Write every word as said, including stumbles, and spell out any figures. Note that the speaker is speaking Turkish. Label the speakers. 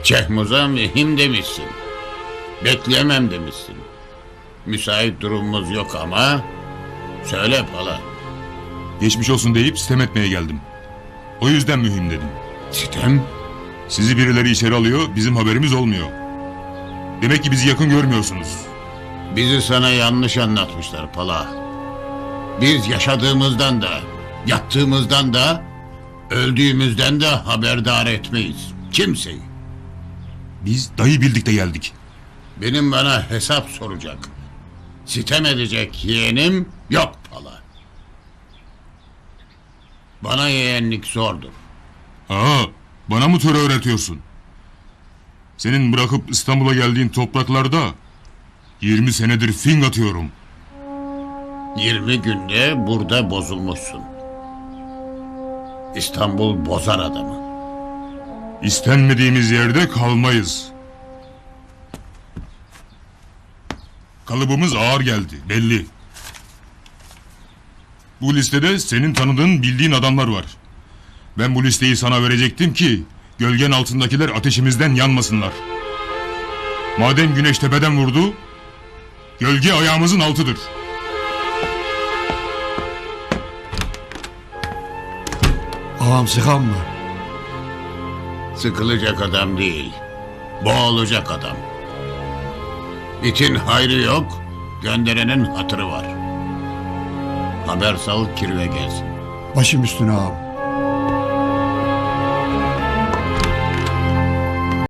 Speaker 1: Cehmuz'a mühim demişsin. Bekleyemem demişsin. Müsait durumumuz yok ama... Söyle Pala.
Speaker 2: Geçmiş olsun deyip sitem etmeye geldim. O yüzden mühim dedim.
Speaker 1: Sitem?
Speaker 2: Sizi birileri içeri alıyor, bizim haberimiz olmuyor. Demek ki bizi yakın görmüyorsunuz.
Speaker 1: Bizi sana yanlış anlatmışlar Pala. Biz yaşadığımızdan da, yattığımızdan da, öldüğümüzden de haberdar etmeyiz. Kimseyi.
Speaker 2: Biz dayı bildik de geldik.
Speaker 1: Benim bana hesap soracak, sitem edecek yeğenim yok Pala. Bana yeğenlik zordur.
Speaker 2: Aa, bana mı töre öğretiyorsun? Senin bırakıp İstanbul'a geldiğin topraklarda yirmi senedir fing atıyorum.
Speaker 1: Yirmi günde burada bozulmuşsun. İstanbul bozar adamı.
Speaker 2: İstenmediğimiz yerde kalmayız. Kalıbımız ağır geldi, belli. Bu listede senin tanıdığın, bildiğin adamlar var. Ben bu listeyi sana verecektim ki gölgen altındakiler ateşimizden yanmasınlar. Madem güneş tepeden vurdu, gölge ayağımızın altıdır.
Speaker 3: Ağam sıkan mı?
Speaker 1: Sıkılacak adam değil, boğulacak adam. İtin hayrı yok, gönderenin hatırı var. Haber sal, kirve gelsin.
Speaker 3: Başım üstüne ağam.